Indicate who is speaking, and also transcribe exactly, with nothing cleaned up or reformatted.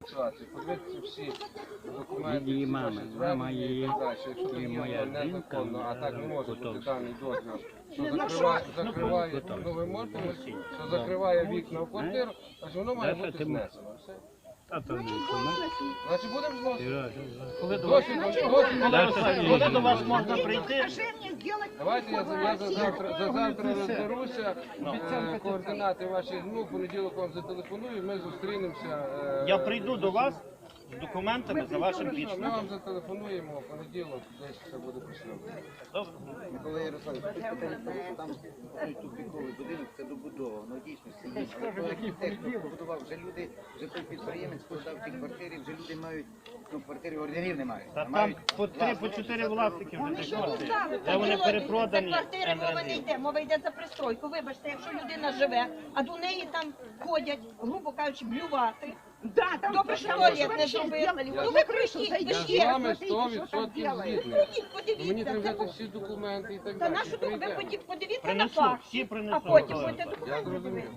Speaker 1: ситуацію, подивитися всі документи,
Speaker 2: Її
Speaker 1: всі
Speaker 2: мама,
Speaker 1: ваші
Speaker 2: мама
Speaker 1: звернення і
Speaker 2: її,
Speaker 1: так далі. Якщо тут
Speaker 2: і
Speaker 1: є
Speaker 2: моя
Speaker 1: воно
Speaker 2: жінка,
Speaker 1: незаконно, а так не може бути
Speaker 2: готові.
Speaker 1: даний дозвіл, що закриває, закриває, ну ви можете, що закриває вікна в квартиру, значить воно має
Speaker 2: Даша,
Speaker 1: бути
Speaker 2: ти м-
Speaker 1: знесено. Все.
Speaker 2: А то не чому?
Speaker 1: Значить будемо зносити.
Speaker 3: Коли до вас,
Speaker 1: Досвід, досвід.
Speaker 3: коли до вас можна прийти?
Speaker 1: Давайте я, за- я за завтра, за завтра розберуся, е, координати ваші, ну, в понеділок вам зателефоную, ми зустрінемося. е,
Speaker 3: Я прийду до вас з документами за вашим
Speaker 1: Ми
Speaker 3: підписом.
Speaker 1: вам зателефонуємо в понеділок, десь все буде пішло.
Speaker 3: Добре.
Speaker 4: Микола Ярославович, тут питання в тому, що там той тупіковий будинок, це добудова, воно дійсно все є. Але той архітектор побудував, вже люди, вже той підприємець подав ті квартири, вже люди мають, ну квартири ордерів не мають.
Speaker 3: Та
Speaker 4: а
Speaker 3: там
Speaker 4: мають
Speaker 3: по три, по чотири власники вже
Speaker 5: Вони
Speaker 3: тих
Speaker 5: що
Speaker 3: квартир.
Speaker 5: ставили?
Speaker 3: Де вони перепродані.
Speaker 5: За квартири мова не
Speaker 3: НРД.
Speaker 5: йде, мова йде за пристройку. Вибачте, якщо людина живе, а до неї там ходять, грубо кажучи, блювати.
Speaker 6: Да, там
Speaker 5: Добре, що
Speaker 6: там
Speaker 5: туалет не
Speaker 6: вообще
Speaker 5: зробили.
Speaker 6: сделали.
Speaker 5: Ну
Speaker 6: Вот
Speaker 5: ви
Speaker 6: на крышу
Speaker 5: прийдіть,
Speaker 6: зайдите,
Speaker 1: Я з
Speaker 5: ще.
Speaker 1: вами
Speaker 6: посмотрите,
Speaker 1: сто
Speaker 6: что там
Speaker 1: відсотків
Speaker 6: делают.
Speaker 1: згідний.
Speaker 5: Ходіть,
Speaker 1: Мені треба
Speaker 5: подивіться.
Speaker 1: взяти всі документи і так
Speaker 5: Та
Speaker 1: далі.
Speaker 5: нашу ви
Speaker 1: Прийдемо.
Speaker 5: подивіться на
Speaker 3: Принесу,
Speaker 5: факт,
Speaker 3: всі
Speaker 5: а
Speaker 3: принесу.
Speaker 5: потім
Speaker 3: Микола
Speaker 5: будете
Speaker 3: Ярославович.
Speaker 1: Я
Speaker 5: документи
Speaker 1: зрозумів.
Speaker 5: дивитися.